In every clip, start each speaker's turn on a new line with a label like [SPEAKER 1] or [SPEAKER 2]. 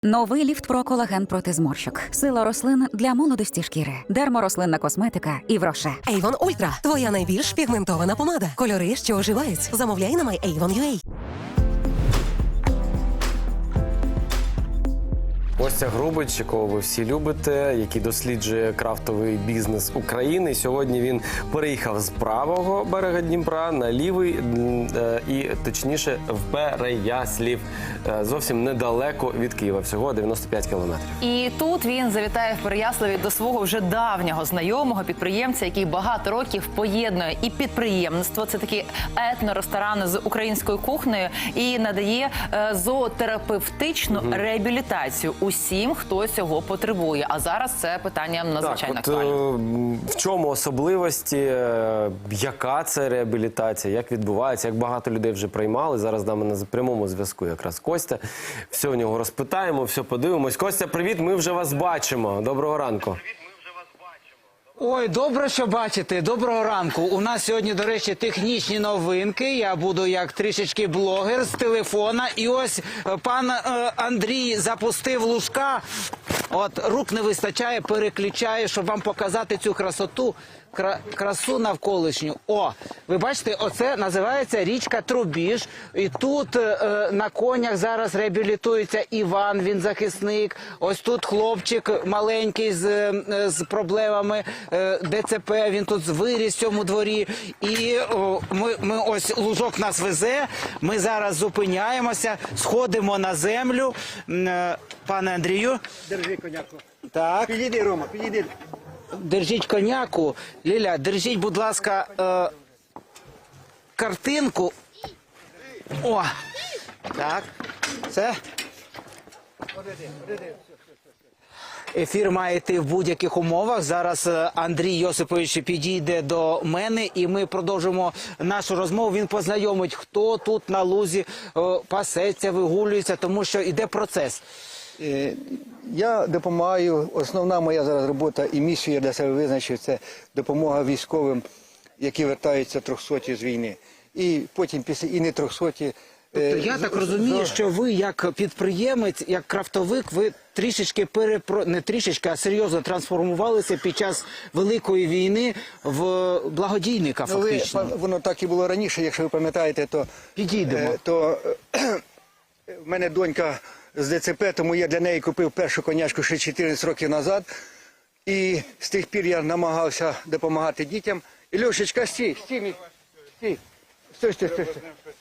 [SPEAKER 1] Новий ліфт про колаген проти зморщок. Сила рослин для молодості шкіри. Дерморослинна косметика і Вроше.
[SPEAKER 2] Avon Ultra – твоя найбільш пігментована помада. Кольори, що оживають. Замовляй на MyAvon.ua.
[SPEAKER 3] Костя Грубич, якого ви всі любите, який досліджує крафтовий бізнес України. Сьогодні він переїхав з правого берега Дніпра на лівий, і точніше в Переяслів, зовсім недалеко від Києва, всього 95 кілометрів.
[SPEAKER 4] І тут він завітає в Переяславі до свого вже давнього знайомого підприємця, який багато років поєднує і підприємництво, це такі етноресторани з українською кухнею, і надає зоотерапевтичну реабілітацію усім, хто цього потребує. А зараз це питання надзвичайно актуальне.
[SPEAKER 3] В чому особливості, яка це реабілітація, як відбувається, як багато людей вже приймали. Зараз з нами на прямому зв'язку якраз Костя. Все у нього розпитаємо, все подивимось. Костя, привіт, ми вже вас бачимо. Доброго ранку.
[SPEAKER 5] Ой, добре, що бачите. Доброго ранку. У нас сьогодні, до речі, технічні новинки. Я буду як трішечки блогер з телефона. І ось пан Андрій запустив лужка. От, рук не вистачає, переключає, щоб вам показати цю красоту. Красу навколишню. О, ви бачите, оце називається річка Трубіж. І тут на конях зараз реабілітується Іван, він захисник. Ось тут хлопчик маленький з проблемами ДЦП, він тут виріс в цьому дворі. І ми ось лужок нас везе, ми зараз зупиняємося, сходимо на землю. Пане Андрію.
[SPEAKER 6] Держи коняку.
[SPEAKER 5] Так.
[SPEAKER 6] Підійди, Рома, підійди.
[SPEAKER 5] Держіть коняку. Ліля, держіть, будь ласка, картинку. О, так, це. Ефір має йти в будь-яких умовах. Зараз Андрій Йосипович підійде до мене і ми продовжимо нашу розмову. Він познайомить, хто тут на лузі пасеться, вигулюється, тому що йде процес.
[SPEAKER 6] Я допомагаю, основна моя зараз робота і місію я для себе визначив, це допомога військовим, які вертаються трьохсоті з війни. І потім після і не трьохсоті.
[SPEAKER 5] Тобто я так розумію, що ви як підприємець, як крафтовик, ви трішечки не трішечки, а серйозно трансформувалися під час Великої війни в благодійника фактично.
[SPEAKER 6] Воно так і було раніше, якщо ви пам'ятаєте, то...
[SPEAKER 5] Підійдемо.
[SPEAKER 6] В мене донька з ДЦП, тому я для неї купив першу конячку ще 14 років назад. І з тих пір я намагався допомагати дітям. І, Льошечка, стій, стій, стій. Стой, стой, стой.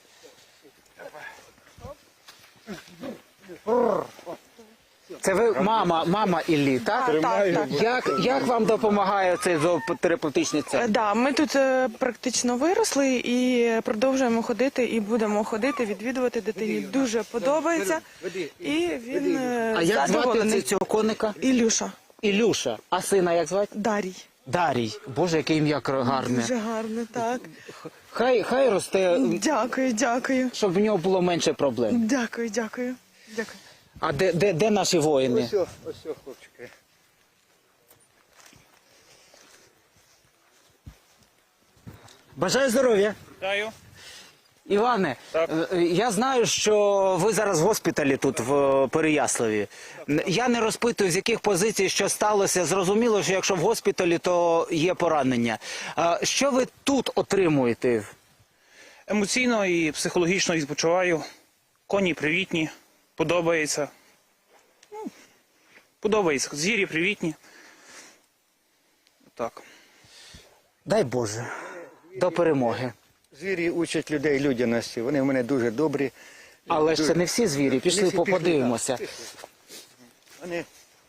[SPEAKER 5] Це ви мама Іллі, так? Так. Як вам допомагає цей зоотерапевтичний центр?
[SPEAKER 7] Да, ми тут практично виросли і продовжуємо ходити, і будемо ходити, відвідувати дитині. Дуже подобається. І він
[SPEAKER 5] А як звати
[SPEAKER 7] задоволений.
[SPEAKER 5] цього коника?
[SPEAKER 7] Ілюша.
[SPEAKER 5] Ілюша. А сина як звати?
[SPEAKER 7] Дарій.
[SPEAKER 5] Дарій. Боже, яке ім'я гарне.
[SPEAKER 7] Дуже гарно, так.
[SPEAKER 5] Хай росте,
[SPEAKER 7] Дякую, дякую.
[SPEAKER 5] щоб в нього було менше проблем.
[SPEAKER 7] Дякую, дякую. Дякую.
[SPEAKER 5] А де наші воїни?
[SPEAKER 6] Ось, хлопчики.
[SPEAKER 5] Бажаю здоров'я.
[SPEAKER 8] Вітаю.
[SPEAKER 5] Іване, я знаю, що ви зараз в госпіталі тут, в Переяславі. Я не розпитую, з яких позицій, що сталося. Зрозуміло, що якщо в госпіталі, то є поранення. Що ви тут отримуєте?
[SPEAKER 8] Емоційно і психологічно відпочиваю. Коні привітні, подобається. Подобається. Звірі привітні. Так.
[SPEAKER 5] Дай Боже, до перемоги.
[SPEAKER 6] Звірі учать людей людяності. Вони в мене дуже добрі.
[SPEAKER 5] Але ж це не всі звірі. Пішли, подивимося.
[SPEAKER 6] Вони,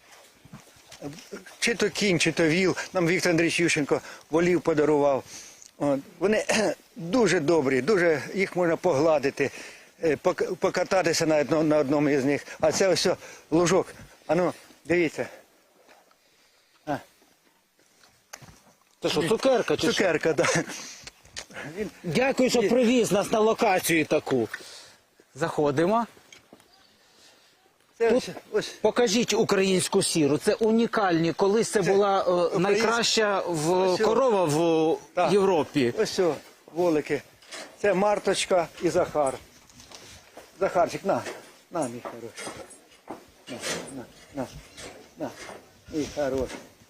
[SPEAKER 6] чи то кінь, чи то віл. Нам Віктор Андрійович Ющенко волів подарував. Вони дуже добрі, дуже їх можна погладити, покататися на одному із них. А це ось лужок. Ану, дивіться.
[SPEAKER 5] Це що, цукерка чи що?
[SPEAKER 6] Цукерка, так.
[SPEAKER 5] Дякую, що привіз нас на локацію таку. Заходимо. Тут покажіть українську сіру. Це унікальні. Колись це була найкраща корова в Європі.
[SPEAKER 6] Ось волики. Це Марточка і Захар. Захарчик, на мій хороший. на. І хорош.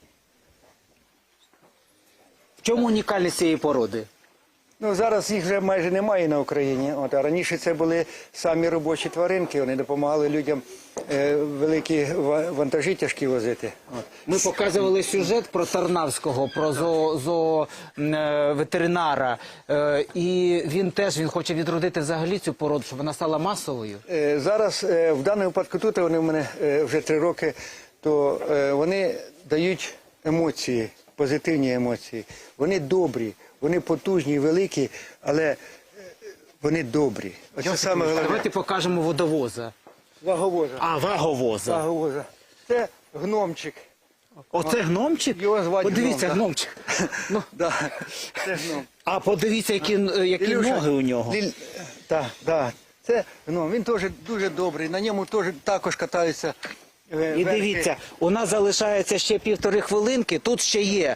[SPEAKER 5] В чому унікальність цієї породи?
[SPEAKER 6] Ну, зараз їх вже майже немає на Україні. От, а раніше це були самі робочі тваринки, вони допомагали людям великі вантажі тяжкі возити. От.
[SPEAKER 5] Ми показували сюжет про Тарнавського, про ветеринара. І він хоче відродити взагалі цю породу, щоб вона стала масовою.
[SPEAKER 6] Зараз, в даному випадку тут, вони в мене вже 3 роки, то вони дають емоції, позитивні емоції. Вони добрі, вони потужні, великі, але вони добрі. Оце саме головне.
[SPEAKER 5] Давайте покажемо водовоза.
[SPEAKER 6] Ваговоза.
[SPEAKER 5] А, ваговоза.
[SPEAKER 6] Ваговоза. Це гномчик.
[SPEAKER 5] Оце гномчик?
[SPEAKER 6] Його звати
[SPEAKER 5] Подивіться,
[SPEAKER 6] Гном,
[SPEAKER 5] гномчик. Ну,
[SPEAKER 6] Да, це гном.
[SPEAKER 5] а подивіться, які
[SPEAKER 6] Ілюша,
[SPEAKER 5] ноги у нього.
[SPEAKER 6] Так, да. Це гном. Він теж дуже добрий. На ньому також катаються.
[SPEAKER 5] І дивіться, у нас залишається ще 1,5 хвилинки. Тут ще є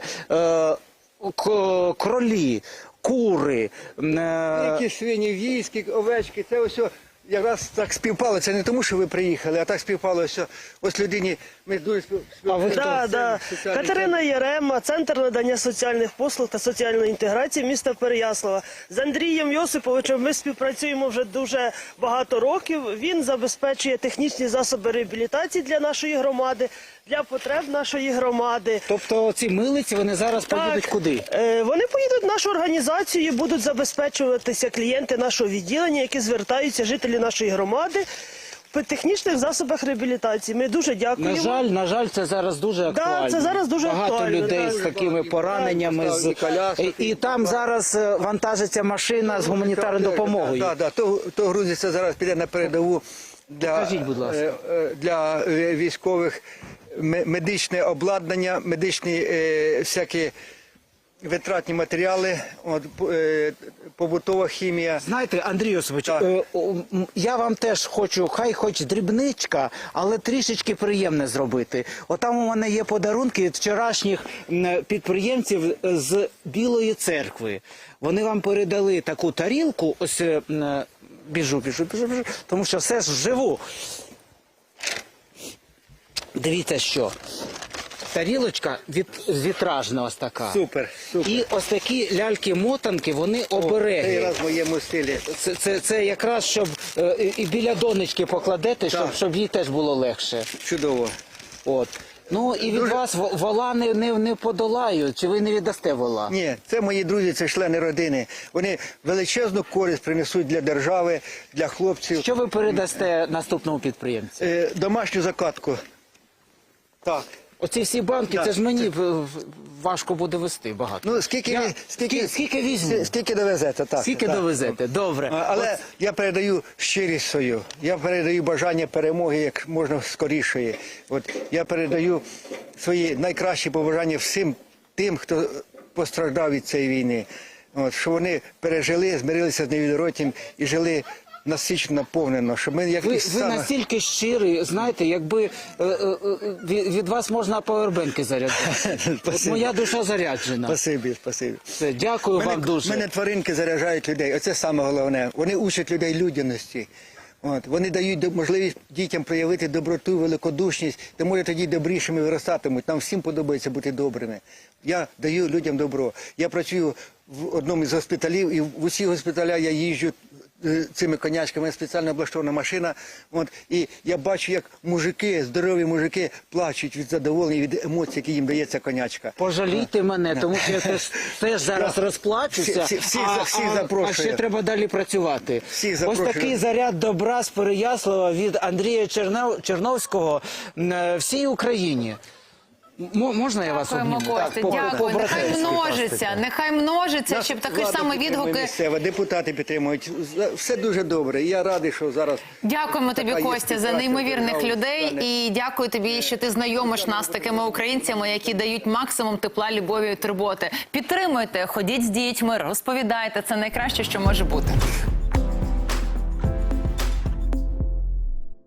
[SPEAKER 5] кролі, кури.
[SPEAKER 6] Які свині, війські, овечки, це ось якраз так співпало. Це не тому, що ви приїхали, а так співпало, що ось людині ми дуже співпали.
[SPEAKER 9] Да. Катерина Єрема, Центр надання соціальних послуг та соціальної інтеграції міста Переяслава. З Андрієм Йосиповичем ми співпрацюємо вже дуже багато років. Він забезпечує технічні засоби реабілітації для нашої громади, для потреб нашої громади.
[SPEAKER 5] Тобто ці милиці, вони зараз поїдуть куди?
[SPEAKER 9] Вони поїдуть в нашу організацію і будуть забезпечуватися клієнти нашого відділення, які звертаються, жителі нашої громади, в технічних засобах реабілітації. Ми дуже дякуємо.
[SPEAKER 5] На жаль, це зараз дуже актуально.
[SPEAKER 9] це зараз дуже
[SPEAKER 5] Багато
[SPEAKER 9] актуально,
[SPEAKER 5] людей
[SPEAKER 9] так.
[SPEAKER 5] з такими пораненнями. І там зараз вантажиться машина з гуманітарною допомогою.
[SPEAKER 6] Так, то грузиться зараз, піде на передову
[SPEAKER 5] Покажіть, будь ласка.
[SPEAKER 6] для військових. Медичне обладнання, медичні всякі витратні матеріали, побутова хімія.
[SPEAKER 5] Знаєте, Андрій Йосипович, я вам теж хочу, хай хоч дрібничка, але трішечки приємне зробити. Отам у мене є подарунки від вчорашніх підприємців з Білої церкви. Вони вам передали таку тарілку, ось біжу, тому що все ж вживу. Дивіться що. Тарілочка вітражна ось така.
[SPEAKER 6] Супер.
[SPEAKER 5] І ось такі ляльки-мотанки, вони обереги.
[SPEAKER 6] Цей раз в моєму стилі.
[SPEAKER 5] Це якраз, щоб і біля донечки покладете, щоб їй теж було легше.
[SPEAKER 6] Чудово.
[SPEAKER 5] От. Ну і від вас вола не подолають, чи ви не віддасте вола?
[SPEAKER 6] Ні, це мої друзі, це члени родини. Вони величезну користь принесуть для держави, для хлопців.
[SPEAKER 5] Що ви передасте наступному підприємцю?
[SPEAKER 6] Домашню закатку. Так.
[SPEAKER 5] Оці всі банки, це ж мені важко буде вести багато.
[SPEAKER 6] Ну, скільки
[SPEAKER 5] візьму?
[SPEAKER 6] Скільки довезете, так.
[SPEAKER 5] Скільки довезете, добре.
[SPEAKER 6] Але я передаю щирість свою, я передаю бажання перемоги як можна скорішої. Я передаю свої найкращі побажання всім тим, хто постраждав від цієї війни. Що вони пережили, змирилися з невідворотнім і жили насичено, наповнено. Щоб ми,
[SPEAKER 5] ви настільки щирі, знаєте, якби від вас можна павербенки заряджати. От моя душа заряджена.
[SPEAKER 6] Спасибі.
[SPEAKER 5] Все, дякую вам дуже.
[SPEAKER 6] Мене тваринки заряджають людей, оце саме головне. Вони учать людей людяності. Вони дають можливість дітям проявити доброту, великодушність, тому тоді добрішими виростатимуть. Нам всім подобається бути добрими. Я даю людям добро. Я працюю в одному із госпіталів, і в усі госпіталя я їжджу цими конячками, спеціально облаштована машина. І я бачу, як мужики, здорові мужики, плачуть від задоволення, від емоцій, які їм дає ця конячка.
[SPEAKER 5] Пожалійте мене, тому що я теж зараз розплачуся,
[SPEAKER 6] всіх запрошую.
[SPEAKER 5] А ще треба далі працювати.
[SPEAKER 6] Всіх
[SPEAKER 5] Ось
[SPEAKER 6] запрошую.
[SPEAKER 5] такий заряд добра з Переяслава від Андрія Черновського всій Україні. Можна я вас
[SPEAKER 4] Дякуємо,
[SPEAKER 5] обніму?
[SPEAKER 4] Костя, дякую. Нехай множиться, щоб такі ж самі відгуки.
[SPEAKER 6] Місцева, депутати підтримують. Все дуже добре. І я радий, що зараз...
[SPEAKER 4] Дякуємо тобі,
[SPEAKER 6] така є
[SPEAKER 4] Костя, за
[SPEAKER 6] співпраця
[SPEAKER 4] неймовірних
[SPEAKER 6] держави,
[SPEAKER 4] людей. І дякую тобі, що ти знайомиш нас з такими українцями, які дають максимум тепла, любові і турботи. Підтримуйте, ходіть з дітьми, розповідайте. Це найкраще, що може бути.